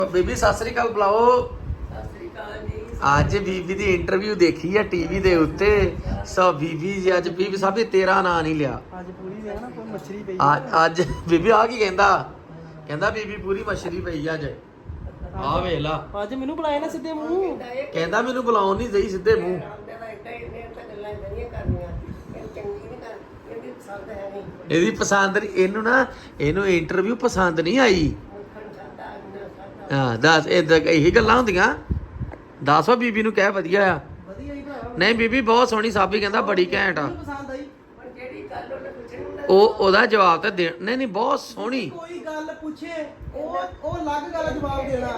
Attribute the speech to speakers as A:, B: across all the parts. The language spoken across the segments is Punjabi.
A: ਬੀਬੀ ਸਤਿ ਸ੍ਰੀ ਅਕਾਲ ਬੁਲਾਓ।
B: ਸਤਿ ਸ੍ਰੀ ਅਕਾਲ ਜੀ।
A: ਅੱਜ ਬੀਬੀ ਦੀ ਇੰਟਰਵਿਊ ਦੇਖੀ ਆ ਟੀਵੀ ਦੇ ਉੱਤੇ। ਸੋ ਬੀਬੀ ਜੀ ਅੱਜ ਬੀਬੀ ਸਾਹਿਬ ਨੇ ਤੇਰਾ ਨਾਂ ਨਹੀਂ ਲਿਆ।
C: ਅੱਜ ਪੂਰੀ ਹੈ ਨਾ ਕੋਈ ਮੱਛਰੀ ਪਈ
A: ਅੱਜ ਬੀਬੀ ਆ ਕੀ ਕਹਿੰਦਾ ਬੀਬੀ ਪੂਰੀ ਮਛਰੀ ਪਈ ਅੱਜ। ਆ ਵੇਖ ਲਾ,
C: ਅੱਜ ਮੈਨੂੰ ਬੁਲਾਇਆ ਨਾ ਸਿੱਧੇ ਮੂੰਹ।
A: ਕਹਿੰਦਾ ਮੈਨੂੰ ਬੁਲਾਉਣ ਨਹੀਂ ਦੇਈ ਸਿੱਧੇ ਮੂੰਹ। ਇਹਦੀ ਪਸੰਦ ਨਹੀਂ, ਇਹਨੂੰ ਨਾ ਇਹਨੂੰ ਇੰਟਰਵਿਊ ਪਸੰਦ ਨਹੀਂ ਆਈ। ਹਾਂ ਦੱਸ ਇਹੀ ਗੱਲਾਂ ਹੁੰਦੀਆਂ। ਦੱਸੋ ਬੀਬੀ ਨੂੰ ਕਹਿ ਵਧੀਆ ਆ।
C: ਵਧੀਆ ਹੀ ਭਰਾ।
A: ਨਹੀਂ ਬੀਬੀ ਬਹੁਤ ਸੋਹਣੀ ਸਾਬੀ ਕਹਿੰਦਾ ਬੜੀ ਘੈਂਟ ਆ।
C: ਪਸੰਦ ਆਈ।
A: ਉਹਦਾ ਜਵਾਬ ਤਾਂ ਦੇ ਨਹੀਂ ਬਹੁਤ ਸੋਹਣੀ।
C: ਕੋਈ ਗੱਲ ਪੁੱਛੇ ਉਹ ਅਲੱਗ ਗੱਲ ਜਵਾਬ ਦੇਣਾ।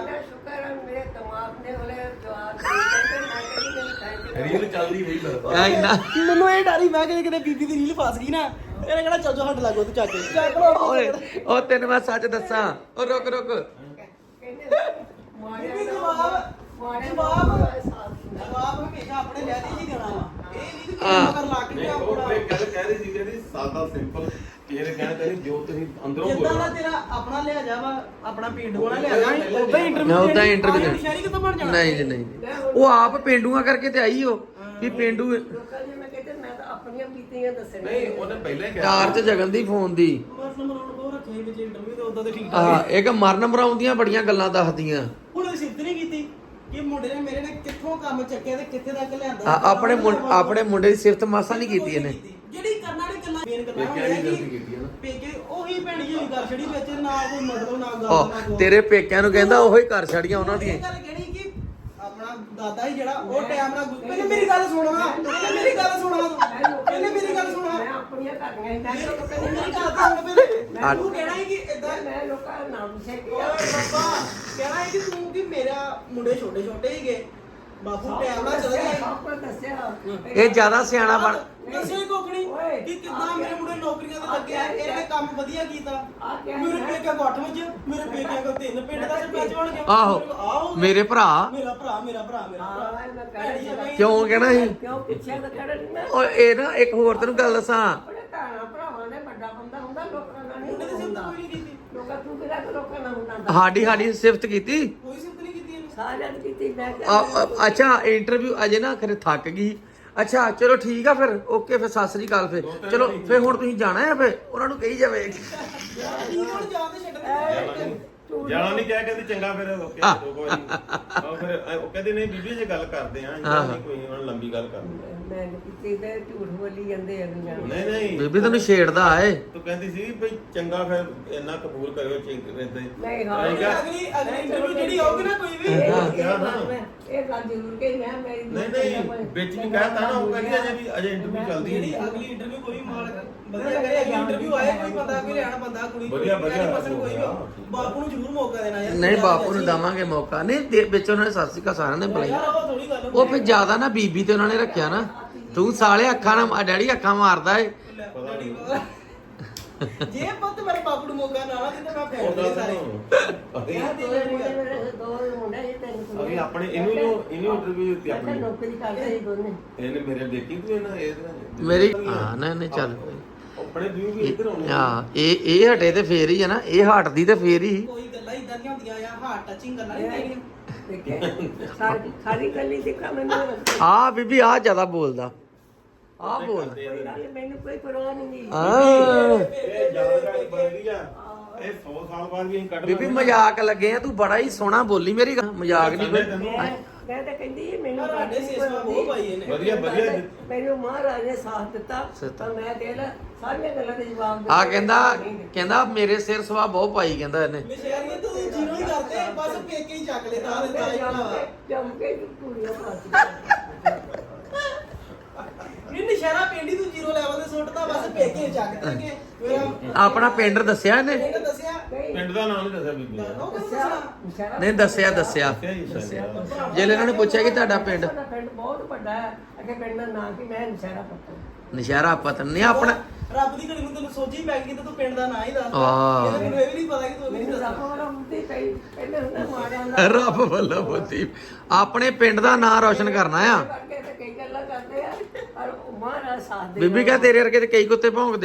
D: ਰੀਲ ਚੱਲਦੀ ਰਹੀ
A: ਐ ਇੰਨਾ
C: ਮੈਨੂੰ ਇਹ ਡਰੀ ਮੈਂ ਕਿਤੇ ਬੀਬੀ ਦੀ ਰੀਲ ਫਸ ਗਈ ਨਾ ਇਹਨੇ ਕਿਹੜਾ ਚੱਲ ਜਾ ਹੱਟ ਲੱਗੋ ਤੂੰ ਚੱਕ
A: ਓਏ ਉਹ ਤੈਨੂੰ ਮੈਂ ਸੱਚ ਦੱਸਾਂ। ਉਹ ਰੁਕ
C: ਜਵਾਬ ਹਮੇਸ਼ਾ ਆਪਣੇ ਲੈ ਦੀ ਹੀ ਦੇਣਾ ਵਾ। ਇਹ ਨਹੀਂ ਕਿ
A: ਹਾਂ।
C: ਮਗਰ ਲੱਗ
D: ਨਹੀਂ
C: ਗਿਆ
D: ਉਹ
C: ਆਪਣਾ।
D: ਫੇਰ ਕਹਿ ਰਹੀ ਸੀ ਜਿਹੜੀ ਸਾਦਾ ਸਿੰਪਲ ਇਹ ਕਹਿਣਾ ਤੇਰੀ ਜੋ ਤੁਸੀਂ ਅੰਦਰੋਂ
C: ਜਿੱਦਾਂ ਦਾ
D: ਬੋਲੋ।
C: ਤੇਰਾ ਆਪਣਾ ਲਿਆ ਜਾ ਵਾ ਆਪਣਾ ਪਿੰਡ ਵਾਲਾ ਲਿਆ ਜਾ ਉਦਾਂ ਹੀ ਇੰਟਰਵਿਊ
A: ਮੈਂ ਉਦਾਂ ਇੰਟਰਵਿਊ
C: ਸ਼ਹਿਰੀ ਕਿੱਥੋਂ ਬਣ ਜਾਣਾ।
A: ਨਹੀਂ ਜੀ ਨਹੀਂ ਉਹ ਆਪ ਪੇਂਡੂਆਂ ਕਰਕੇ ਤੇ ਆਈ ਉਹ ਵੀ ਪੇਂਡੂ
D: ਨਹੀਂ ਉਹਨੇ ਪਹਿਲਾਂ ਹੀ ਕਿਹਾ
A: ਕਾਰ 'ਚ ਜਗਨ ਦੀ ਫੋਨ ਦੀ
C: ਬਸ ਨੰਬਰ ਉਹ ਰੱਖੇ ਵਿੱਚ ਇੰਟਰਵਿਊ ਤੇ ਉਦਾਂ ਤੇ ਠੀਕ ਠਾਕ
A: ਆ ਇੱਕ ਮਰਨ ਮਰਾਉਂਦੀਆਂ ਬੜੀਆਂ ਗੱਲਾਂ ਦੱਸਦੀਆਂ।
C: ਹੁਣ ਉਹ ਸਿੱਧ ਨਹੀਂ ਕੀਤੀ ਕਿ ਮੁੰਡੇ ਨੇ ਮੇਰੇ ਨੇ ਕਿੱਥੋਂ ਕੰਮ ਚੱਕਿਆ ਤੇ ਕਿੱਥੇ ਤੱਕ ਲਿਆਂਦਾ।
A: ਆਪਣੇ ਮੁੰਡੇ ਦੀ ਸਿਫਤ ਮਾਸਾ ਨਹੀਂ ਕੀਤੀ ਇਹਨੇ।
C: ਜਿਹੜੀ ਕਰਨਾ ਨੇ ਗੱਲਾਂ ਮੇਨ ਕਰਨਾ
D: ਪੇਕਿਆਂ ਦੀ ਗਲਤੀ ਕੀਤੀ ਹੈ ਨਾ।
C: ਪੇਕੇ ਉਹੀ ਭੈਣੀ ਜਿਹੀ ਕਰ ਛੜੀ ਵਿੱਚ ਨਾ ਕੋਈ ਮਤਲਬ ਨਾ ਗੱਲ ਨਾ
A: ਆਹ,
C: ਕੋਈ।
A: ਤੇਰੇ ਪੇਕਿਆਂ ਨੂੰ ਕਹਿੰਦਾ ਉਹੀ ਕਰ ਛੜੀਆਂ ਉਹਨਾਂ ਦੀਆਂ।
C: ਇਹ ਗੱਲ ਕਹਿਣੀ ਕਿ ਆਪਣਾ ਦਾਦਾ ਹੀ ਜਿਹੜਾ ਉਹ ਟਾਈਮ ਨਾਲ ਪਹਿਲੇ ਮੇਰੀ ਗੱਲ ਸੁਣਵਾ ਪਹਿਲੇ ਮੇਰੀ ਗੱਲ ਸੁਣਵਾ ਪਹਿਲੇ ਮੇਰੀ ਗੱਲ ਸੁਣਵਾ ਮੇਰੀ ਗੱਲ ਸੁਣ ਪਹਿਲੇ ਤੂੰ ਕਹਿਣਾ ਹੈ ਕਿ ਇਦਾਂ ਓਏ ਬਾਬਾ ਕਹਿਣਾ ਹੈ ਕਿ ਤੂੰ ਕਿ ਮੇਰਾ ਮੁੰਡੇ ਛੋਟੇ ਛੋਟੇ ਹੀਗੇ ਬਾਪੂ ਟਾਈਮ ਨਾਲ ਚਲਾ ਗਿਆ।
A: ਇਹ ਜ਼ਿਆਦਾ ਸਿਆਣਾ ਬਣ
C: ਦੱਸਿਓ ਹੀ ਕੋਕਣੀ ਕਿ ਕਿੱਦਾਂ ਮੇਰੇ ਮੁੰਡੇ ਨੌਕਰੀਆਂ ਤੇ ਲੱਗੇ ਆ ਇਹਨੇ ਕੰਮ ਵਧੀਆ ਕੀਤਾ। ਮੇਰੇ ਪੇਕੇ ਗੱਠ ਵਿੱਚ ਮੇਰੇ ਪੇਕਿਆਂ ਕੋਲ 3 ਪਿੰਡ ਦਾ ਸਰਪੰਚ ਬਣ ਗਿਆ।
A: ਆਹੋ ਮੇਰੇ ਭਰਾ
C: ਮੇਰਾ ਭਰਾ ਭੈੜੀ ਆ ਬਈ।
A: ਕਿਉਂ ਕਹਿਣਾ ਸੀ
B: ਕਿਉਂ ਪਿੱਛੇ ਤਾਂ ਖੜਾ ਨਹੀਂ ਮੈਂ
A: ਓਏ ਇਹ ਨਾ ਇੱਕ ਹੋਰ ਤੈਨੂੰ ਗੱਲ ਦੱਸਾਂ।
B: ਆਪਣੇ ਭਰਾਵਾਂ ਦੇ ਵੱਡਾ ਬੰਦਾ ਹੁੰਦਾ ਲੋਕਾਂ ਨਾਲ
C: ਮੁੰਡੇ ਦੀ
B: ਨਹੀਂ
C: ਸਿਫਤ
B: ਹੁੰਦਾ।
C: ਕੋਈ ਨਹੀਂ ਕੀਤੀ
B: ਲੋਕਾਂ ਤੂੰ ਕਿਹੜਾ ਲੋਕਾਂ ਨਾਲ ਹੁੰਦਾ
A: ਸਾਡੀ ਸਿਫਤ ਕੀਤੀ।
C: ਕੋਈ ਸਿਫਤ ਨਹੀਂ ਕੀਤੀ ਇਹਨੇ।
B: ਸਾਰਿਆਂ ਨੇ ਕੀਤੀ ਮੈਂ
A: ਅੱਛਾ ਇੰਟਰਵਿਊ ਅਜੇ ਨਾ ਖਰੇ ਥੱਕ ਗਈ। ਅੱਛਾ ਚਲੋ ਠੀਕ ਆ ਫਿਰ ਓਕੇ ਫਿਰ ਸਤਿ ਸ੍ਰੀ ਅਕਾਲ ਫਿਰ ਚਲੋ ਫਿਰ ਹੁਣ ਤੁਸੀਂ ਜਾਣਾ ਹੈ ਫਿਰ ਉਹਨਾਂ ਨੂੰ ਕਹੀ ਜਾਵੇ।
C: ਠੀਕ ਹੁਣ ਜਾਣ ਦੇ ਛੱਡ
D: ਜਾਣਾ ਨਹੀਂ ਕਿਹਾ ਕਹਿੰਦੀ ਚੰਗਾ ਫਿਰ ਓਕੇ ਦੋ ਵਾਰੀ ਉਹ ਫਿਰ ਉਹ ਕਹਿੰਦੇ ਨਹੀਂ ਬੀਬੀ ਜੇ ਗੱਲ ਕਰਦੇ ਆ ਇੰਨਾ ਨਹੀਂ ਕੋਈ ਉਹਨਾਂ ਲੰਬੀ ਗੱਲ ਕਰਨੀ।
B: ਮੈਂ ਕੀਤੀ ਤੇ ਝੂਠ ਬੋਲੀ ਜਾਂਦੇ ਆ ਦੁਨੀਆ ਨੂੰ।
D: ਨਹੀਂ ਨਹੀਂ
A: ਬੀਬੀ ਤੈਨੂੰ ਛੇੜਦਾ ਏ।
D: ਤੂੰ ਕਹਿੰਦੀ ਸੀ ਬਈ ਚੰਗਾ ਫਿਰ ਇੰਨਾ ਕਬੂਲ ਕਰਿਓ ਇਦਾਂ ਹੀ
B: ਨਹੀਂ ਹਾਂ
D: ਨਹੀਂ ਕਿਹਾ?
C: ਅਗਲੀ ਇੰਟਰਵਿਊ ਜਿਹੜੀ ਆਉਗੀ ਨਾ ਕੋਈ ਵੀ
B: ਇਹ ਗੱਲ ਜ਼ਰੂਰ ਕਹੀ ਮੈਂ ਮੇਰੀ
D: ਨਹੀਂ ਵਿੱਚ ਵੀ ਕਹਿਤਾ ਨਾ ਉਹ ਕਹਿੰਦੀ ਅਜੇ ਇੰਟਰਵਿਊ ਚੱਲਦੀ
C: ਜਿਹੜੀ
D: ਹੈ।
C: ਅਗਲੀ ਇੰਟਰਵਿਊ ਕੋਈ ਮਾਲਕ ਵਧੀਆ ਕਰੇ ਅਗਲੀ ਇੰਟਰਵਿਊ ਆਏ ਕੋਈ ਬੰਦਾ ਕੋਈ ਲੈਣ ਬੰਦਾ ਕੁੜੀ
D: ਵਧੀਆ,
C: ਪਸੰਦ ਕੋਈ ਵੀ ਬਾਪੂ ਨੂੰ ਜ਼ਰੂਰ ਮੌਕਾ ਦੇਣਾ ਯਾਰ।
A: ਨਹੀਂ ਬਾਪੂ ਨੂੰ ਦਵਾਂਗੇ ਮੌਕਾ। ਨਹੀਂ ਵਿੱਚ ਉਹਨਾਂ ਨੇ ਸਤਿ ਸ੍ਰੀ ਅਕਾਲ ਸਾਰਿਆਂ ਨੇ ਬੁਲਾਈ।
C: ਯਾਰ ਉਹ ਥੋੜੀ ਗੱਲ
A: ਉਹ ਫਿਰ ਜ਼ਿਆਦਾ ਨਾ ਬੀਬੀ ਤੇ ਉਹਨਾਂ ਨੇ ਰੱਖਿਆ ਨਾ। ਤੂੰ ਸਾਲੇ ਅੱਖਾਂ ਨਾਲ ਡੈਡੀ ਅੱਖਾਂ ਮਾਰਦਾ ਏ।
C: ਜੇ ਪੁੱਤ ਮੇਰੇ ਬਾਪੂ ਨੂੰ ਮੌਕਾ ਨਾ ਦਿੰਦੇ ਮੈਂ ਫੇਰ ਦੇ ਸਾਰੇ
B: ਦੋ ਮੁੰਡੇ ਇਹ ਤੈਨੂੰ
D: ਅਸੀਂ ਆਪਣੇ ਇਹਨੂੰ ਇੰਟਰਵਿਊ ਦਿੱਤੀ ਆਪਣੀ
B: ਨੌਕਰੀ ਕਰਦੇ ਸੀ ਦੋਨੇ
D: ਇਹਨੇ ਮੇਰੇ ਦੇਖੀ ਤੂੰ ਇਹਨਾਂ ਇਹ
A: ਮੇਰੀ ਹਾਂ ਨਹੀਂ ਚੱਲ
D: ਆਪਣੇ ਵਿਊ ਵੀ ਇੱਧਰ ਆਉਣੇ
A: ਹਾਂ ਇਹ ਹਟੇ ਤੇ ਫੇਰ ਹੀ ਆ ਨਾ। ਇਹ ਹਟਦੀ ਤੇ ਫੇਰ ਹੀ।
C: ਕੋਈ ਗੱਲਾਂ ਇਦਾਂ ਦੀਆਂ ਹੁੰਦੀਆਂ ਆ ਹਾਰਟ ਟੱਚਿੰਗ ਗੱਲਾਂ ਨਹੀਂ ਹੁੰਦੀਆਂ।
B: ਸਾਰੀ ਗੱਲੀ ਦੇਖਾ ਮੈਨੂੰ
A: ਆ ਬੀਬੀ ਆ ਜ਼ਿਆਦਾ ਬੋਲਦਾ ਆ ਬੋਲ
B: ਮੈਨੂੰ ਕੋਈ ਪਰਵਾਹ ਨਹੀਂ
D: ਇਹ ਜ਼ਿਆਦਾ ਬੜੀ ਆ ਇਹ 100 ਸਾਲ ਬਾਅਦ ਵੀ ਅਸੀਂ ਕੱਢ
A: ਬੀਬੀ ਮਜ਼ਾਕ ਲੱਗੇ ਆ। ਤੂੰ ਬੜਾ ਹੀ ਸੋਹਣਾ ਬੋਲੀ ਮੇਰੀ ਗੱਲ। ਮਜ਼ਾਕ ਨਹੀਂ ਕੋਈ।
B: ਮੈਂ ਤਾਂ ਕਹਿੰਦੀ ਮੈਨੂੰ
C: ਸਾਡੇ ਸੇਸਵਾ ਬਹੁਤ ਪਾਈ ਇਹਨੇ।
D: ਵਧੀਆ
B: ਮੈਨੂੰ ਮਹਾਰਾਜ ਨੇ ਸਾਥ ਦਿੱਤਾ ਤਾਂ ਮੈਂ ਦੇ ਲੈ ਸਾਰੀਆਂ ਗੱਲਾਂ ਦੇ ਜਵਾਬ ਦੇ
A: ਆ ਕਹਿੰਦਾ ਮੇਰੇ ਸਿਰ ਸਵਾ ਬਹੁਤ ਪਾਈ ਕਹਿੰਦਾ ਇਹਨੇ।
C: ਮੈਂ ਸ਼ਹਿਰ ਨਹੀਂ ਤੂੰ ਜੀਰੋ ਹੀ ਕਰਤੇ ਬਸ ਪੇਕੇ ਹੀ ਚੱਕ ਲੈ ਤਾਂ ਦਿੱਤਾ ਹੀ
B: ਜਮ ਕੇ ਕੁੜੀਆਂ ਪਾਸ
C: ਨਹੀਂ ਨਸ਼ਹਿਰਾ ਪਿੰਡੀ ਤੂੰ ਜ਼ੀਰੋ ਲੈਵਲ ਤੇ ਸੁੱਟਦਾ ਬਸ ਪੇਕੇ ਚੱਕ ਦੇਗੇ ਮੇਰਾ
A: ਆਪਣਾ ਪਿੰਡ ਦੱਸਿਆ ਇਹਨੇ।
C: ਇਹਨੇ ਦੱਸਿਆ
D: ਪਿੰਡ ਦਾ ਨਾਮ ਨਹੀਂ ਦੱਸਿਆ ਬੀਬੀ ਨੇ
C: ਉਹ ਦੱਸਿਆ
A: ਨਹੀਂ ਦੱਸਿਆ ਜੇ ਇਹਨਾਂ ਨੇ ਪੁੱਛਿਆ ਕਿ ਤੁਹਾਡਾ ਪਿੰਡ
B: ਪਿੰਡ ਬਹੁਤ ਵੱਡਾ ਹੈ ਅੱਗੇ ਪਿੰਡ ਦਾ ਨਾਂ ਕੀ ਮੈਂ ਨਸ਼ਹਿਰਾ ਪੱਤਨ
A: ਨਸ਼ਹਿਰਾ ਪਤਨ ਨਹੀਂ ਆਪਣਾ।
C: ਰੱਬ ਦੀ ਘੜੀ ਨੂੰ ਤੈਨੂੰ ਸੋਝੀ ਪੈ ਗਈ ਤੇ ਤੂੰ ਪਿੰਡ ਦਾ ਨਾਂ ਹੀ ਦੱਸ
A: ਆਹ।
C: ਮੈਨੂੰ ਇਹ ਵੀ ਨਹੀਂ ਪਤਾ ਕਿ ਤੂੰ ਨਹੀਂ
B: ਮੈਨੂੰ
C: ਦੱਸਦਾ
B: ਰੱਬ ਵਾਲਾ ਹੁੰਦੀ ਕਈ ਪਹਿਲੇ ਹੁੰਦਾ ਮਾਰਿਆ ਦਾ
A: ਰੱਬ ਵੱਲੋਂ ਬੁੱਧੀ ਆਪਣੇ ਪਿੰਡ ਦਾ ਨਾਂ ਰੌਸ਼ਨ ਕਰਨਾ ਆ।
B: ਕਰਕੇ ਤੇ ਕਈ ਗੱਲਾਂ ਕਰਦੇ ਆ ਪਰ ਉਹ ਮਹਾਰਾਜ ਸਾਥ ਦੇ
A: ਬੀਬੀ ਕਹ ਤੇਰੇ ਵਰਗੇ ਤੇ ਕਈ ਕੁੱਤੇ ਭੌਂਕਦੇ ਆ।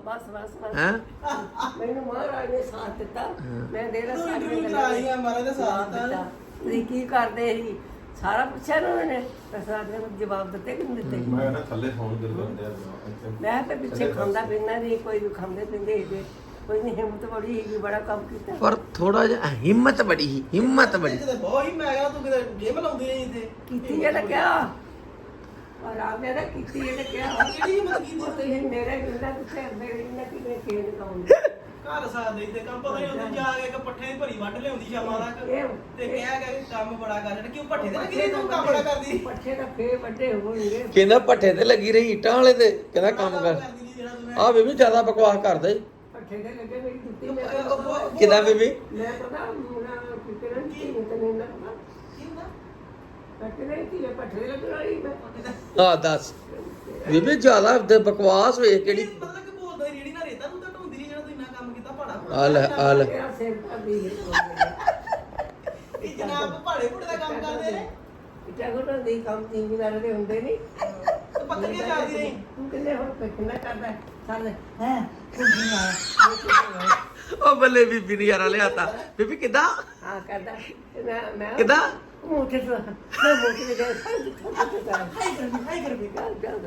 B: ਬਸ
A: ਹੈਂ
B: ਮੈਨੂੰ ਮਹਾਰਾਜ ਨੇ ਸਾਥ ਦਿੱਤਾ ਮੈਂ ਦੇ
C: ਤੂੰ
B: ਸਾਰੀਆਂ
C: ਇੰਟਰਵਿਊ
B: ਗੱਲਾਂ
C: ਕਰਾਈ ਆ ਮਹਾਰਾਜ ਦਾ ਸਾਥ ਦਿੱਤਾ
B: ਤੁਸੀਂ ਕੀ ਕਰਦੇ ਸੀ ਸਾਰਾ ਪੁੱਛਿਆ ਨਾ ਉਹਨੇ ਤਾਂ ਸਾਰੇ ਨੂੰ ਜਵਾਬ ਦਿੱਤੇ ਕਿ ਨਹੀਂ ਦਿੱਤੇ
D: ਮੈਂ ਨਾ ਥੱਲੇ ਫੋਨ ਕਰ ਦਿੰਦੇ ਆ ਇੱਥੇ
B: ਮੈਂ ਤਾਂ ਪਿੱਛੇ ਖਾਂਦਾ ਪੀਂਦਾ ਨਹੀਂ ਕੋਈ ਵੀ ਖਾਂਦੇ ਪੀਂਦੇ ਸੀ ਕੋਈ ਨਹੀਂ ਹਿੰਮਤ ਬੜੀ ਹੈਗੀ ਬੜਾ ਕੰਮ ਕੀਤਾ
A: ਪਰ ਥੋੜਾ ਜਿਹਾ ਹਿੰਮਤ ਬੜੀ ਸੀ, ਹਿੰਮਤ ਬੜੀ
C: ਕਿਤੇ ਬਹੁਤ ਹੀ ਮੈਂ ਕਿਹਾ ਤੂੰ ਕਿਤੇ ਜਿਮ ਲਾਉਂਦੀ ਨਹੀਂ ਇੱਥੇ
B: ਕੀਤੀ ਇਹ ਤਾਂ ਕਿਹਾ ਔਰ ਆਪਨੇ ਤਾਂ ਕੀਤੀ ਇਹ ਤਾਂ ਕਿਹਾ
C: ਕਿਹੜੀ ਹਿੰਮਤ ਕੀਤੀ
B: ਉਹ ਤੁਸੀਂ ਮੇਰੇ ਬਿੰਦਾ ਤੁਸੀਂ ਮੇਰੇ ਬਿੰਦਾ ਕਿਵੇਂ ਖੇਡ ਕਾਉਂਦੇ
C: ਘਰ ਸਾਥ ਦੇ ਤੇ ਕੰਮ ਪਤਾ ਨਹੀਂ ਹੁੰਦੀ ਜਾ ਕੇ ਇੱਕ ਪੱਠੇ ਦੀ ਭਰੀ ਵੱਢ ਲਿਆਉਂਦੀ ਸ਼ਾਮਾਂ ਤੱਕ
B: ਇਹ
C: ਤੇ ਕਹਿਆ ਕਿ ਕੰਮ ਬੜਾ ਕਰ ਰਿਹਾ ਕਿਉਂ ਪੱਠੇ ਤੇ ਲੱਗੀ ਤੂੰ ਕੰਮ ਬੜਾ ਕਰਦੀ
B: ਪੱਠੇ ਤਾਂ ਫੇਰ ਵੱਡੇ ਹੋਣਗੇ
A: ਕਹਿੰਦਾ ਭੱਠੇ ਤੇ ਲੱਗੀ ਰਹੀ ਇੱਟਾਂ ਵਾਲੇ ਤੇ ਕਹਿੰਦਾ ਕੰਮ ਕਰ
C: ਕਰਦੀ ਨਹੀਂ ਜਿਹੜਾ ਤੂੰ
A: ਆ ਬੀਬੀ ਜ਼ਿਆਦਾ ਬਕਵਾਸ ਕਰਦਾ ਈ
B: ਪੱਠੇ ਦੇ ਲੱਗੇ ਮੇਰੀ ਜੁੱਤੀ ਮੈਂ
A: ਕਿਦਾਂ ਬੀਬੀ
B: ਮੈਂ ਪਤਾ ਮੁੰਡਾ ਕਿਰਨ ਕੀ ਤੈਨੂੰ ਨਾ ਪਤਾ
C: ਕੀ ਹੁੰਦਾ
B: ਪੱਠੇ ਦੇ ਕੀ ਪੱਠੇ ਦੇ ਲੱਗਣ ਵਾਲੀ ਮੈਂ
A: ਆ ਦੱਸ ਬੀਬੀ ਜ਼ਿਆਦਾ ਤੇ ਬਕਵਾਸ ਵੇਖ ਕਿਹੜੀ
C: ਮਤਲਬ ਕਿ ਬੋਲਦਾ ਰੇੜੀ ਨਾ ਰੇਤਾ ਤੂੰ ਤਾਂ ਢੋਂਦੀ ਨਹੀਂ ਜਿਹੜਾ ਤੂੰ ਇੰਨਾ ਕੰਮ ਕੀਤਾ ਭਾੜਾ
A: ਆ ਲੈ
B: ਮੇਰਾ ਸਿਰ ਭਾਬੀ ਹੈ
C: ਇਹ ਜਨਾਬ ਭਾੜੇ ਭੁੜੇ ਦਾ ਕੰਮ ਕਰਦੇ ਨੇ
B: ਜਗੋਂ ਦੇ ਕੰਮ ਜ਼ਿੰਮੇਵਾਰ ਦੇ ਹੁੰਦੇ ਨਹੀਂ
C: ਤੇ ਬੱਕਰੀਆਂ ਚਾਰਦੀ ਰਹੀ
B: ਤੂੰ ਕਿੰਨੇ ਹੁਣ ਕਿੰਨਾ ਕਰਦਾ ਸਾਰੇ ਹੈ ਕੁਝ ਨਹੀਂ ਆਇਆ
A: ਉਹ ਬੱਲੇ ਬੀਬੀ ਨੇ ਯਾਰਾ ਲਿਆਤਾ ਬੀਬੀ ਕਿਦਾਂ
B: ਹਾਂ ਕਰਦਾ ਤੇ ਮੈਂ
A: ਕਿਦਾਂ
B: ਮੋਟੇ ਤੋਂ ਮੈਂ ਮੋਟੇ ਦੇ ਗਏ
C: ਹਾਈ ਕਰ ਵੀ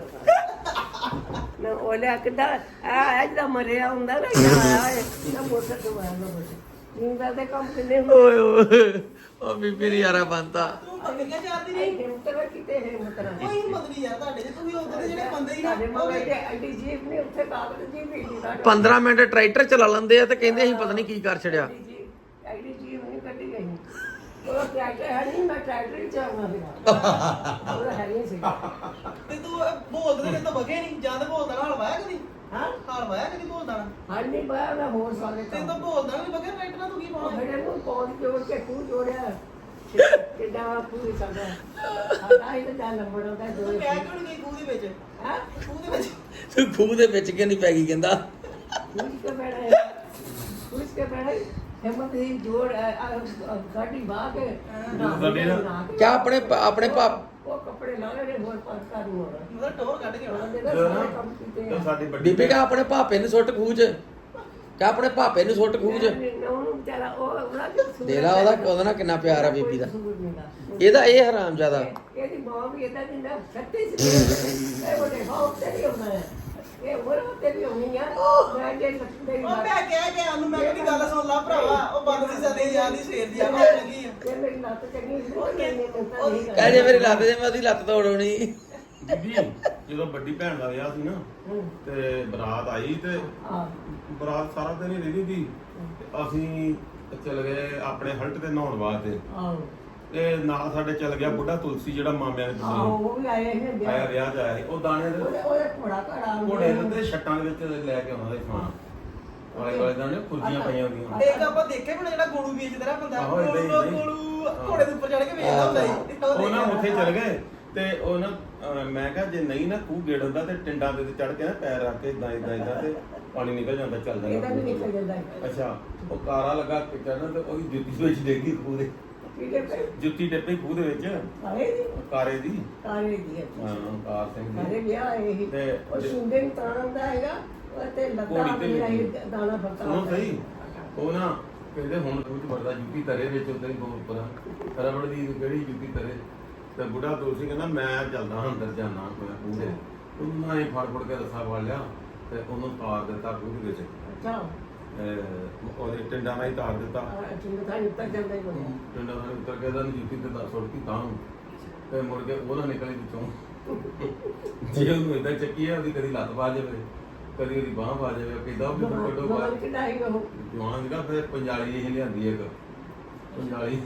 B: ਨਾ ਉਹਲੇ ਕਿਦਾਂ ਆ ਅੱਜ ਦਾ ਮਰਿਆ ਹੁੰਦਾ ਨਾ ਆਇਆ ਨਾ ਮੋਟੇ ਤੋਂ ਆਇਆ ਨਾ ਮੋਟੇ ਜਿੰਦਾ ਦੇ ਕੰਮ ਕਿੰਨੇ
A: ਓਏ ਓਏ ਉਹ ਬੀਬੀ ਨੇ ਯਾਰਾ ਬੰਤਾ
C: ਤੂੰ ਬੱਕਰੀਆਂ ਚਾਰਦੀ ਰਹੀ
B: ਹਿੰਮਤ ਨਾ ਕਿਤੇ ਹਿੰਮਤ ਨਾ
C: ਕੋਈ ਹਿੰਮਤ ਨਹੀਂ ਯਾਰ ਤੁਹਾਡੇ ਚ ਤੁਸੀਂ ਉਧਰ ਦੇ ਜਿਹੜੇ ਬੰਦੇ ਹੀ ਨਾ
B: ਸਾਡੇ ਮਗਰ ਤੇ ਐਡੀ ਜੀਪ ਨੇ ਉੱਥੇ ਕਾਗਜ਼ ਜੀ ਵੀ ਨਹੀਂ ਦਾ
A: 15 ਮਿੰਟ ਟਰੈਕਟਰ ਚਲਾ ਲੈਂਦੇ ਆ ਤੇ ਕਹਿੰਦੇ ਅਸੀਂ ਪਤਾ ਨਹੀਂ ਕੀ ਕਰ ਛੜਿਆ
B: ਐਡੀ ਜੀਪ ਨਹੀਂ ਕੱਢੀ ਗਈ ਉਹ ਟਰੈਕਟਰ ਹੈ ਨਹੀਂ ਮੈਂ ਟਰੈਕਟਰ ਹੀ ਚਾਹਣਾ ਸੀਗਾ ਉਹ ਹੈ ਨਹੀਂ ਸੀਗਾ
C: ਤੇ ਤੂੰ ਬੋਲਦੇ ਨੇ ਤਾਂ ਬਗੇ ਨਹੀਂ ਜਾਂ ਤਾਂ ਬੋਲਦਾ ਨਾ ਹਲਵਾਇਆ ਕਦੀ
B: ਹਾਂ
C: ਹਾਲ ਵਾਇਆ ਕਦੀ ਬੋਲਦਾ ਨਾ
B: ਹਾਂ ਨਹੀਂ ਬਾਇਆ ਮੈਂ ਹੋਰ ਸਾਰੇ
C: ਤੇ
B: ਕੰਮ
C: ਤਾਂ ਬੋਲਦਾ ਨਹੀਂ ਬਗੇ ਰਾਈਟ ਨਾਲ ਤੂੰ ਕੀ
B: ਉਹ
C: ਪਾਉਣਾ
B: ਮੇਰੇ ਨੂੰ ਪੌਂਦ ਜੋੜ ਕੇ ਖੂਹ ਜੋੜਿਆ ਕਿੱਦਾਂ ਪੂਰੀ ਕਰਦਾ ਸਾਡਾ ਹੀ ਤਾਂ ਜਾਨ ਲੰਬੜਾ ਹੁੰਦਾ
C: ਤੂੰ
B: ਦੋਏ
C: ਕਿਆ ਕਿਉਂ ਨਹੀਂ ਗਈ ਖੂਹ ਦੇ ਵਿੱਚ
B: ਹਾਂ
C: ਖੂਹ ਦੇ ਵਿੱਚ
A: ਤੂੰ ਖੂਹ ਦੇ ਵਿੱਚ ਕਿਉਂ ਨਹੀਂ ਪੈ ਗਈ ਕਹਿੰਦਾ
B: ਕੁਝ ਕੇ ਬੜਾ ਹਿੰਮਤ ਦੀ ਜੋੜ ਗਾੜੀ ਬਾਹ ਕੇ
A: ਕਿਆ ਆਪਣੇ ਪਾਪ
B: ਉਹ ਕੱਪੜੇ ਲਾ ਲੈ ਹੋਰ ਪਾਸ ਕਰ ਨੂੰ ਹੋਣਾ
C: ਮਤਲਬ ਟੋਰ ਕੱਢ ਕੇ ਆਉਣਾ
B: ਉਹਦੇ ਦਾ ਸਾਰੇ ਕੰਮ ਕੀਤੇ
D: ਤਾਂ ਸਾਡੀ ਵੱਡੀ
A: ਬੀਬੀ ਕਾ ਆਪਣੇ ਭਾਪੇ ਨੂੰ ਸੁੱਟ ਖੂਹ 'ਚ ਕਾ ਆਪਣੇ ਭਾਪੇ ਨੂੰ ਸੁੱਟ ਖੂਹ 'ਚ
B: ਉਹਨੂੰ ਵਿਚਾਰਾ ਉਹ ਉਹਨਾਂ ਦੇ
A: ਦੇ ਲਾ ਉਹਦਾ ਨਾਲ ਕਿੰਨਾ ਪਿਆਰ ਆ ਬੀਬੀ ਦਾ ਇਹਦਾ ਇਹ ਹਰਾਮ ਜ਼ਿਆਦਾ
B: ਇਹਦੀ ਮਾਂ ਵੀ ਇਹਦਾ ਜਿੰਦਾ ਸੱਤੇ ਸੀ ਇਹ ਉਹਦੇ ਬਾਪ ਤੇ ਵੀ ਹੁੰਦਾ ਹੈ ਇਹ ਹੋਰ ਤੇ ਵੀ ਹੋਣੀ ਆ ਮੈਂ ਜੇ ਲੱਤੇ ਦੀ
C: ਉਹ ਮੈਂ ਕਹਿ ਗਿਆ ਉਹਨੂੰ ਮੈਂ ਕਿਹੜੀ ਗੱਲ ਸੁਣ ਲਾ ਭਰਾਵਾ ਉਹ ਬੰਦ ਸੀ ਸਦੇ ਯਾਰ ਦੀ ਸਵੇਰ ਦੀ ਆ ਮੈਂ ਲੱਗੀ ਆ
B: ਇਹ ਮੇਰੀ ਲੱਤ ਚੰਗੀ ਸੀ ਉਹ ਕਹਿੰਦੇ ਤਾਂ ਨਹੀਂ
A: ਕਹਿ ਜੇ ਮੇਰੀ ਲੱਤ ਜੇ ਮੈਂ ਉਹਦੀ ਲੱਤ ਤੋੜਉਣੀ
D: ਬੀਬੀ ਜਦੋਂ ਵੱਡੀ ਭੈਣ ਦਾ ਵਿਆਹ ਸੀ ਨਾ ਤੇ ਬਰਾਤ ਆਈ ਤੇ
B: ਆ
D: ਬਰਾਤ ਸਾਰਾ ਦਿਨ ਹੀ ਰਹੀ ਸੀ ਤੇ ਅਸੀਂ ਚਲ ਗਏ ਆਪਣੇ ਹਲਟ ਤੇ ਨਹਾਉਣ ਵਾਸਤੇ
B: ਆਓ
D: ਤੇ ਨਾਲ ਸਾਡੇ ਚੱਲ ਗਿਆ ਬੁੱਢਾ ਤੁਲਸੀ ਜਿਹੜਾ ਮਾਮਿਆਂ ਦੇ
B: ਆਓ
D: ਪੁੱਤ
B: ਉਹ ਵੀ ਆਏ ਹੈ
D: ਆਇਆ
B: ਵਿਆਹ
D: ਵਿਆਹ 'ਚ ਆਇਆ ਸੀ ਉਹ ਦਾਣੇ ਦੇ
B: ਉਹਦੇ ਘੋੜਾ ਘੜਾ
D: ਘੋੜੇ ਦੇ ਛੱਟਾਂ ਦੇ ਵਿੱਚ ਲੈ ਕੇ ਆਉਂਦਾ ਸੀ ਖਾਣਾ ਵਾਲੇ ਵਾਲੇ ਦਾਣੇ ਖੁਰਜੀਆਂ ਪਈਆਂ ਹੁੰਦੀਆਂ
C: ਇੱਕ ਆਪਾਂ ਦੇਖੇ ਬਣਾ ਜਿਹੜਾ ਗੋਲੂ ਵੇਚਦਾ ਰਿਹਾ ਬੰਦਾ
D: ਆਹੋ, ਏਦਾਂ ਹੀ, ਏਦਾਂ ਹੀ।
C: ਗੋਲੂ ਘੋੜੇ ਦੇ ਉੱਪਰ ਚੜ ਕੇ ਵੇਚਦਾ ਹੁੰਦਾ ਸੀ
D: ਉਹ ਨਾ ਉੱਥੇ ਚੱਲ ਗਏ ਤੇ ਉਹ ਨਾ ਮੈਂ ਕਿਹਾ ਜੇ ਨਹੀਂ ਨਾ ਖੂਹ ਗੇੜ ਹੁੰਦਾ ਤੇ ਟਿੰਡਾਂ ਦੇ ਚੜ ਕੇ ਨਾ ਪੈਰ ਰੱਖ ਕੇ ਇਦਾਂ ਤੇ ਪਾਣੀ ਨਿਕਲ ਜਾਂਦਾ ਚੱਲਦਾ
B: ਇਹਦਾ ਵੀ ਨਿਕਲ ਜਾਂਦਾ ਹੈ
D: ਅੱਛਾ ਉਹ ਕਾਰਾ ਲੱਗਾ ਕਿਚਨ ਤੇ ਉਹਦੀ ਜੁੱਤੀ ਵਿੱਚ ਡੇਗੀ ਖੂਹ ਦੇ
B: ਕਿਹਦੇ ਪੈ
D: ਜੁੱਤੀ ਡੱਬੇ ਖੂਹ ਦੇ ਵਿੱਚ
B: ਆਏ ਦੀ
D: ਕਾਰੇ ਦੀ
B: ਤਾਰੇ ਦੀ
D: ਹਾਂ ਕਾਰ ਸਿੰਘ
B: ਸਾਰੇ
D: ਦੀ
B: ਵਿਆਹ ਆਏ ਸੀ
D: ਤੇ
B: ਉਹ ਸੁੰਦੇ ਨੂੰ ਤਾਰਾਂ ਦਾ ਹੈਗਾ ਉਹ ਤੇ ਲੱਤਾਂ
D: ਘੋੜੀ ਤੇ
B: ਮੇਰਾ ਹੀ ਦਾਣਾ ਫੱਕਾ
D: ਸੁਣੋ ਸਹੀ ਉਹ ਨਾ ਕਹਿੰਦੇ ਹੁਣ ਖੂਹ ਚ ਵੜਦਾ ਜੁੱਤੀ ਤਰੇ ਵਿੱਚ ਉਦਾਂ ਹੀ ਬਹੁਤ ਉੱਪਰ ਰਬੜ ਦੀ ਕਿਹੜੀ ਜੁੱਤੀ ਤਰੇ ਤੇ ਬੁੱਢਾ ਦੋਸੀ ਕਹਿੰਦਾ ਮੈਂ ਚੱਲਦਾ ਅੰਦਰ ਜਾਣਾ ਮੈਂ ਖੂਹ ਦੇ ਉਹਨਾਂ ਨੇ ਫੜ ਕੇ ਰੱਸਾ ਫੜ ਲਿਆ ਤੇ ਉਹਨੂੰ ਤਾਰ ਦਿੱਤਾ ਖੂਹ ਦੇ ਵਿੱਚ
B: ਅੱਛਾ
D: ਉਹਦੇ ਟਿੰਡਾਂ ਨਾਲ ਹੀ ਤਾਰ ਦਿੱਤਾ
B: ਚਿੰਨ ਤਾਂ ਉੱਤਰ ਜਾਂਦਾ ਹੀ ਕੋਈ
D: ਟਿੰਡਾਂ ਨਾਲ ਉੱਤਰ ਕੇ ਤਾਂ ਜੁੱਤੀ ਤੇ ਤਾਂ ਸੁੱਟਤੀ ਤਾਂ ਨੂੰ ਤੇ ਮੁੜ ਕੇ ਉਹਦਾ ਨਿਕਲੀ ਵਿੱਚੋਂ ਜੇ ਉਹਨੂੰ ਏਦਾਂ ਚੱਕੀ ਹੈ ਉਹਦੀ ਕਦੀ ਲੱਤ ਪਾ ਜਾਵੇ ਕਦੀ ਉਹਦੀ ਬਾਂਹ ਪਾ ਜਾਵੇ ਕਿਦਾਂ ਵੀ ਕੱਢੋ ਬਾਹਰ
B: ਕਿਦਾਈ ਉਹ
D: ਜਵਾਨ ਜਿਹੜਾ ਫਿਰ ਪੰਜਾਲੀ ਇਹ ਲਿਆਂਦੀ ਇੱਕ ਪੰਜਾਲੀ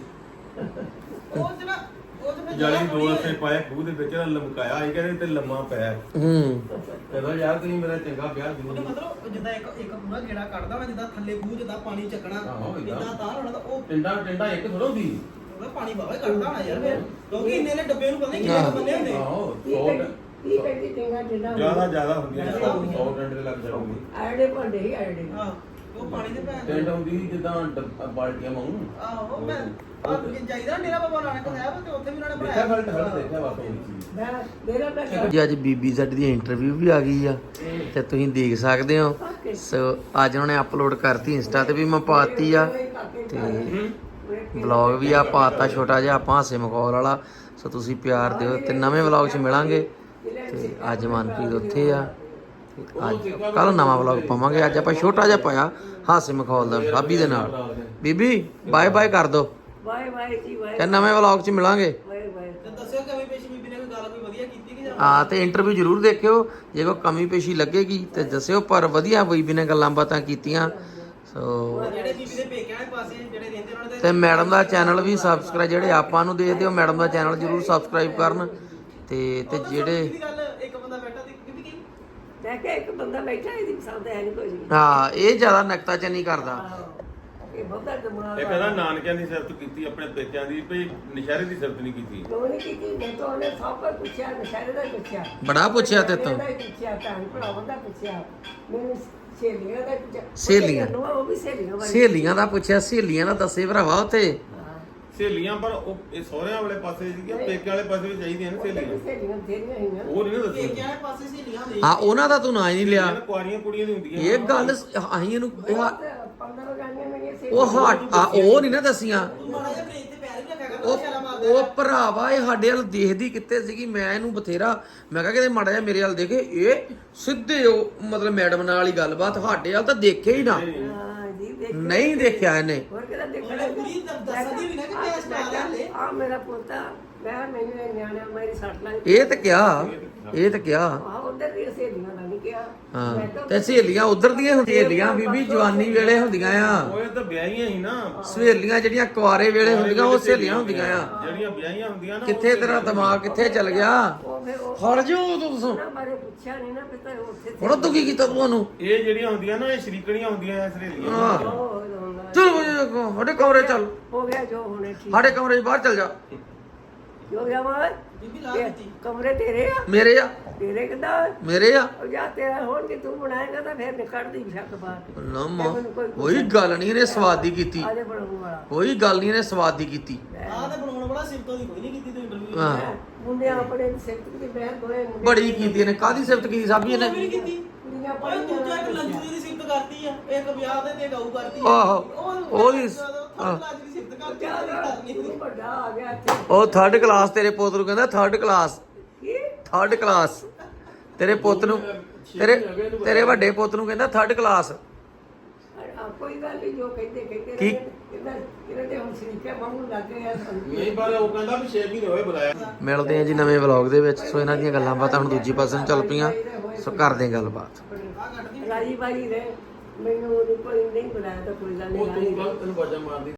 C: ਉਹ ਜਿਹੜਾ ਉਹ ਤੇ
D: ਪੰਜਾਲੀ ਦੋ ਰਸੇ ਪਾਏ ਖੂਹ ਦੇ ਵਿੱਚ ਨਾ ਲਮਕਾਇਆ ਇਹ ਕਹਿੰਦੇ ਤੇ ਲੰਮਾ ਪੈ
A: ਹੂੰ
D: ਕਹਿੰਦਾ ਯਾਰ ਤੁਸੀਂ ਮੇਰਾ ਚੰਗਾ ਵਿਆਹ
C: ਉਹਦੇ
D: ਜ਼ਰੂਰ
C: ਮਤਲਬ ਜਿੱਦਾਂ ਇੱਕ ਪੂਰਾ ਗੇੜਾ ਕੱਢਦਾ ਨਾ ਜਿੱਦਾਂ ਥੱਲੇ ਖੂਹ ਜਿੱਦਾਂ ਪਾਣੀ ਚੱਕਣਾ
D: ਆਹੋ, ਏਦਾਂ।
C: ਜਿੱਦਾਂ ਤਾਰ ਹੋਣਾ ਤਾਂ ਉਹ
D: ਟਿੰਡਾ ਇੱਕ ਥੋੜਾ ਹੁੰਦੀ
C: ਉਹਦਾ ਪਾਣੀ ਬਾਹਰ ਕੱਢਦਾ ਹੋਣਾ ਯਾਰ ਫਿਰ ਕਿਉਂਕਿ ਇੰਨੇ ਨੇ ਡੱਬੇ ਨੂੰ ਪਤਾ ਨਹੀਂ ਕਿੰਨੇ ਕੁ ਬੰਨੇ ਹੁੰਦੇ
D: ਆਹੋ
B: ਕੀ ਕਹਿੰਦੀ ਚੰਗਾ ਜਿੰਨਾ
D: ਜ਼ਿਆਦਾ ਹੁੰਦੀਆਂ 100 ਟਿੰਡੇ ਦੇ ਲੱਗ ਜਾਊਗੀ
B: ਆੜੇ ਭਾਂਡੇ ਹੀ ਆੜੇ
C: ਹਾਂ ਉਹ ਪਾਣੀ ਦੇ ਭੈਣ
D: ਟੈਂਟ ਹੁੰਦੀ ਸੀ ਜਿੱਦਾਂ ਬਾਲਟੀਆਂ ਵਾਂਗੂ
C: ਆਹੋ ਮੈਂ ਜਾਈਦਾ ਡੇਰਾ ਬਾਬਾ ਨਾਨਕ ਸਾਹਿਬ ਤੇ ਉੱਥੇ ਵੀ ਉਹਨਾਂ ਨੇ
D: ਦੇਖਿਆ
C: ਬਣਾਇਆ
D: ਖਲਟ ਦੇਖਿਆ ਬਸ ਉਹ ਚੀਜ਼
B: ਮੈਂ ਮੇਰਾ ਤਾਂ
A: ਜੀ ਅੱਜ ਬੀਬੀ ਸਾਡੀ ਦੀ ਇੰਟਰਵਿਊ ਵੀ ਆ ਗਈ ਆ ਤੇ ਤੁਸੀਂ ਦੇਖ ਸਕਦੇ ਹੋ। ਸੋ ਅੱਜ ਉਹਨਾਂ ਨੇ ਅਪਲੋਡ ਕਰਤੀ ਇੰਸਟਾ ਤੇ ਵੀ ਮੈਂ ਪਾਤੀ ਆ ਤੇ ਵਲੌਗ ਵੀ ਆ ਪਾਤਾ ਛੋਟਾ ਜਿਹਾ ਆਪਾਂ ਹਾਸੇ ਮਖੌਲ ਵਾਲਾ। ਸੋ ਤੁਸੀਂ ਪਿਆਰ ਦਿਓ ਤੇ ਨਵੇਂ ਵਲੌਗ 'ਚ ਮਿਲਾਂਗੇ। ਤੇ ਅੱਜ ਮਨਪ੍ਰੀਤ ਉੱਥੇ ਆ ਤੇ ਅੱਜ ਕੱਲ ਨਵਾਂ ਵਲੌਗ ਪਾਵਾਂਗੇ। ਅੱਜ ਆਪਾਂ ਛੋਟਾ ਜਿਹਾ ਪਾਇਆ ਹਾਸੇ ਮਖੌਲ ਦਾ ਭਾਬੀ ਦੇ ਨਾਲ। ਬੀਬੀ ਬਾਏ ਬਾਏ ਕਰ ਦੋ
B: ਬਾਏ ਬਾਏ ਜੀ ਬਾਏ
A: ਤੇ ਨਵੇਂ ਵਲੌਗ 'ਚ ਮਿਲਾਂਗੇ।
B: ਬਾਏ ਬਾਏ
C: ਤੇ ਦੱਸਿਓ ਕਵੀ ਪੇਸ਼ੀ ਬੀਬੀ ਨੇ ਕੋਈ ਗੱਲ ਕੋਈ ਵਧੀਆ ਕੀਤੀ ਕਿ ਜਾਂ
A: ਹਾਂ ਤੇ ਇੰਟਰਵਿਊ ਜ਼ਰੂਰ ਦੇਖਿਓ। ਜੇ ਕੋਈ ਕਮੀ ਪੇਸ਼ੀ ਲੱਗੇਗੀ ਤੇ ਦੱਸਿਓ। ਪਰ ਵਧੀਆ ਬੀਬੀ ਨੇ ਗੱਲਾਂ ਬਾਤਾਂ ਕੀਤੀਆਂ। ਸੋ
C: ਜਿਹੜੇ ਬੀਬੀ ਦੇ ਪੇਕਿਆਂ ਵਾਲੇ ਪਾਸੇ ਜਿਹੜੇ ਰਹਿੰਦੇ ਉਹਨਾਂ ਦੇ
A: ਤੇ ਮੈਡਮ ਦਾ ਚੈਨਲ ਵੀ ਸਬਸਕ੍ਰਾਈਬ, ਜਿਹੜੇ ਆਪਾਂ ਨੂੰ ਦੇਖਦੇ ਹੋ ਮੈਡਮ ਦਾ ਚੈਨਲ ਜ਼ਰੂਰ ਸਬਸਕ੍ਰਾਈਬ ਕਰਨ। ਤੇ ਜਿਹੜੇ
C: ਦੀ ਗੱਲ ਇੱਕ ਬੰਦਾ ਬੈਠਾ ਤੇ ਬੀਬੀ ਕੀ
B: ਮੈਂ ਕਿਹਾ ਇੱਕ ਬੰਦਾ ਬੈਠਾ ਇਹਦੀ ਪਸੰਦ ਹੈ ਨਹੀਂ ਕੋਈ ਵੀ।
A: ਹਾਂ ਇਹ ਜ਼ਿਆਦਾ ਨਕਤਾਚੀਨੀ ਕਰਦਾ।
B: ਇਹ ਬਹੁਤਾ ਦਿਮਾਗ
D: ਇਹ ਕਹਿੰਦਾ ਨਾਨਕਿਆਂ ਦੀ ਸਿਫਤ ਕੀਤੀ ਆਪਣੇ ਪੇਕਿਆਂ ਦੀ ਭਈ ਨਸ਼ਹਿਰੇ ਦੀ ਸਿਫਤ ਨਹੀਂ ਕੀਤੀ।
B: ਕਿਉਂ ਨਹੀਂ ਕੀਤੀ? ਮੈਂ ਤਾਂ ਉਹਨੇ ਸਭ ਕੁਝ ਪੁੱਛਿਆ, ਨਸ਼ਹਿਰੇ ਦਾ ਪੁੱਛਿਆ,
A: ਬੜਾ ਪੁੱਛਿਆ ਤੇ ਤੋਂ
B: ਇਹਦਾ ਹੀ ਪੁੱਛਿਆ, ਭੈਣ ਭਰਾਵਾਂ ਦਾ ਪੁੱਛਿਆ, ਮੈਨੂੰ ਸਹੇਲੀਆਂ ਦਾ ਪੁੱਛਿਆ।
A: ਸਹੇਲੀਆਂ?
B: ਉਹ ਵੀ ਸਹੇਲੀਆਂ ਬਾਰੇ
A: ਸਹੇਲੀਆਂ ਦਾ ਪੁੱਛਿਆ। ਸਹੇਲੀਆਂ ਦਾ ਦੱਸੇ ਭਰਾਵਾ ਉੱਥੇ।
B: ਹਾਂ।
D: ਸਹੇਲੀਆਂ ਪਰ ਉਹ ਇਹ ਸਹੁਰਿਆਂ ਵਾਲੇ ਪਾਸੇ ਸੀਗੇ, ਪੇਕਿਆਂ ਵਾਲੇ ਪਾਸੇ ਵੀ ਚਾਹੀਦੀਆਂ ਨੇ ਸਹੇਲੀਆਂ।
B: ਸਹੇਲੀਆਂ ਤੇਰੀਆਂ ਹੀ
D: ਉਹ ਨਹੀਂ ਨਾ ਦੱਸੀ
C: ਪੇਕਿਆਂ ਵਾਲੇ ਪਾਸੇ ਸਹੇਲੀਆਂ ਹੁੰਦੀਆਂ
A: ਹਾਂ ਉਹਨਾਂ ਦਾ ਤੂੰ ਨਾਂ ਹੀ ਨਹੀਂ ਲਿਆ।
D: ਕੁਆਰੀਆਂ ਕੁੜੀਆਂ ਦੀ ਹੁੰਦੀਆਂ
A: ਇਹ ਗੱਲ ਅਸੀਂ ਇਹਨੂੰ
B: 15 ਗਾਣੀਆਂ ਮੇਰੀਆਂ
A: ਉਹ ਉਹ ਨਹੀਂ ਨਾ ਦੱਸੀਆਂ।
C: ਤੂੰ ਮਾੜਾ ਜਿਹਾ ਬ੍ਰੇਕ ਤੇ ਪੈਰ ਵੀ ਰੱਖਿਆ ਕਰ ਤੂੰ ਸ਼ਰਮ ਮਾਰਦਾ
A: ਉਹ ਭਰਾਵਾ ਇਹ ਸਾਡੇ ਵੱਲ ਦੇਖਦੀ ਕਿੱਥੇ ਸੀਗੀ। ਮੈਂ ਇਹਨੂੰ ਬਥੇਰਾ ਮੈਂ ਕਿਹਾ ਕਿਤੇ ਮਾੜਾ ਜਿਹਾ ਮੇਰੇ ਵੱਲ ਦੇਖੇ। ਇਹ ਸਿੱਧੇ ਉਹ ਮਤਲਬ ਮੈਡਮ ਨਾਲ ਹੀ ਗੱਲਬਾਤ। ਸਾਡੇ ਵੱਲ ਤਾਂ ਦੇਖੇ ਹੀ ਨਾ।
B: ਹਾਂ ਜੀ ਦੇਖ
A: ਨਹੀਂ ਦੇਖਿਆ ਇਹਨੇ।
B: ਹੋਰ ਕਿਹਦਾ ਦੇਖਣਾ?
C: ਉਹਨੇ ਪੂਰੀ ਦੱਸਦੀ ਵੀ ਨਾ ਕਿ ਮੈਂ ਸਟਾਰ ਆ ਲੈ
B: ਆ ਮੇਰਾ ਪੋਤਾ, ਮੈਂ ਮੈਨੂੰ ਇਹ ਨਿਆਣਾ ਮੇਰੀ ਸੱਟ ਲੱਗ
A: ਇਹ ਤਾਂ ਕਿਹਾ, ਇਹ ਤਾਂ ਕਿਹਾ।
B: ਆ ਉਧਰ ਦੀ ਸਹੇਲੀਆਂ ਦਾ ਨਹੀਂ ਕਿਹਾ।
A: ਹਾਂ
B: ਮੈਂ ਤਾਂ
A: ਤੇ ਸਹੇਲੀਆਂ ਉਧਰ ਦੀਆਂ ਹੁੰਦੀਆਂ। ਸਹੇਲੀਆਂ ਬੀਬੀ ਜਵਾਨੀ ਵੇਲੇ ਹੁੰਦੀਆਂ ਆ।
D: ਉਹ ਤਾਂ ਵਿਆਹੀਆਂ ਹੀ ਨਾ।
A: ਸਹੇਲੀਆਂ ਜਿਹੜੀਆਂ ਕੁਆਰੇ ਵੇਲੇ ਹੁੰਦੀਆਂ ਉਹ ਸਹੇਲੀਆਂ ਹੁੰਦੀਆਂ ਆ।
D: ਜਿਹੜੀਆਂ ਵਿਆਹੀਆਂ ਹੁੰਦੀਆਂ ਨਾ
A: ਕਿੱਥੇ ਤੇਰਾ ਦਿਮਾਗ ਕਿੱਥੇ ਚੱਲ ਗਿਆ?
B: ਉਹ ਫਿਰ ਉਹ
A: ਫੜ ਜੋ ਤੂੰ।
B: ਉਹਨਾਂ ਬਾਰੇ ਪੁੱਛਿਆ ਨਹੀਂ ਨਾ ਪਤਾ ਉੱਥੇ
A: ਹੁਣ ਤੂੰ ਕੀ ਕੀਤਾ ਤੁਹਾਨੂੰ?
D: ਇਹ ਜਿਹੜੀਆਂ ਹੁੰਦੀਆਂ ਨਾ ਇਹ ਸ਼ਰੀਕਣੀਆਂ ਹੁੰਦੀਆਂ ਸਹੇਲੀਆਂ।
A: ਹਾਂ
B: ਉਹ
A: ਚਲ ਸਾਡੇ ਕਮਰੇ ਚੱਲ।
B: ਹੋ ਗਿਆ ਜੋ ਹੋਣੇ ਠੀਕ
A: ਸਾਡੇ ਕਮਰੇ 'ਚ ਬਾਹਰ ਚੱਲ ਜਾ।
B: ਹੋ ਗਿਆ ਮਾਂ
C: ਬੀਬੀ ਲਾ ਦਿੱਤੀ
B: ਕਮਰੇ ਤੇਰੇ ਆ?
A: ਮੇਰੇ ਆ,
B: ਤੇਰੇ ਕਿਦਾਂ?
A: ਮੇਰੇ ਆ।
B: ਉਹ ਜਾਂ ਤੇਰਾ ਹੋਣ ਕਿ ਤੂੰ ਬਣਾਏਗਾ ਤਾਂ ਫਿਰ ਨਿਕੜਦੀ ਸ਼ੱਕ ਬਾਤ।
A: ਨਾ ਮਾਂ ਕੋਈ ਗੱਲ ਨਹੀਂ ਇਹਨੇ ਸਵਾਦੀ ਕੀਤੀ।
B: ਆਜੇ ਬਣਾਉਣ ਵਾਲਾ
A: ਕੋਈ ਗੱਲ ਨਹੀਂ ਇਹਨੇ ਸਵਾਦੀ ਕੀਤੀ।
C: ਆਹ ਤੇ ਬਣਾਉਣ ਵਾਲਾ ਸਿਫਤੋਂ ਦੀ ਕੋਈ ਨਹੀਂ ਕੀਤੀ ਤੂੰ ਇੰਟਰਵਿਊ
A: ਹਾਂ
B: ਮੁੰਡੇ ਆਪਣੇ ਸਿਫਤ ਦੀ ਮੈਂ ਦੋਏ ਮੁੰਡੇ
A: ਬੜੀ ਕੀਤੀ ਇਹਨੇ। ਕਾਹਦੀ ਸਿਫਤ ਕੀਤੀ ਸਾਬੀ
C: ਵੀ ਨਹੀਂ
A: ਇਹਨੇ?
C: ਕੀਤੀ
B: ਕੁੜੀਆਂ
C: ਓਏ ਦੂਜਾ ਇੱਕ ਲੰਜੂ ਦੀ ਸਿਫਤ ਕਰਤੀ ਆ ਇੱਕ ਵਿਆਹ ਦੇ ਤੇ ਗਊ ਕਰਤੀ
A: ਆਹੋ, ਉਹਦੀ-
C: ਲੱਜ ਦੀ ਸਿਫਤ ਕਰਤੀ ਕਰਨੀ
B: ਤੂੰ ਵੱਡਾ ਆ ਗਿਆ ਇੱਥੇ
A: ਉਹ 3rd ਕਲਾਸ ਤੇਰੇ ਪੁੱਤ ਨੂੰ ਕਹਿੰਦਾ 3rd ਕਲਾਸ।
B: ਕੀ
A: 3rd ਕਲਾਸ ਤੇਰੇ ਪੁੱਤ ਨੂੰ, ਤੇਰੇ ਵੱਡੇ ਪੁੱਤ ਨੂੰ ਕਹਿੰਦਾ 3rd ਕਲਾਸ।
B: ਕੋਈ ਗੱਲ ਨਹੀਂ ਜੋ ਕਹਿੰਦੇ ਕਹਿੰਦੇ
A: ਕੀ?
B: ਇਹਨਾਂ ਦੇ ਹੁਣ ਸ਼ਰੀਕੇ ਵਾਂਗੂ ਲੱਗ ਗਏ ਆ ਸਾਨੂੰ।
D: ਨਹੀਂ ਪਰ ਉਹ ਕਹਿੰਦਾ ਵੀ 6 ਮਹੀਨੇ ਹੋਏ ਬੁਲਾਇਆ।
A: ਮਿਲਦੇ ਆ ਜੀ ਨਵੇਂ ਵਲੌਗ ਦੇ ਵਿੱਚ। ਸੋ ਇਹਨਾਂ ਦੀਆਂ ਗੱਲਾਂ ਬਾਤਾਂ ਹੁਣ ਦੂਜੀ ਪਾਸੇ ਨੂੰ ਚੱਲ ਪਈਆਂ। ਸੋ ਕਰਦੇ ਹਾਂ ਗੱਲਬਾਤ।
B: ਰਾਜੀ ਬਾਈ ਨੇ ਮੈਨੂੰ ਕੋਈ ਨਹੀਂ ਬੁਲਾਇਆ ਤਾਂ ਕੋਈ ਗੱਲ
D: ਉਹ
B: ਨਹੀਂ
D: ਤੂੰ ਗਲਤ ਤੈਨੂੰ ਬਾਜਾ ਮਾਰਦੀ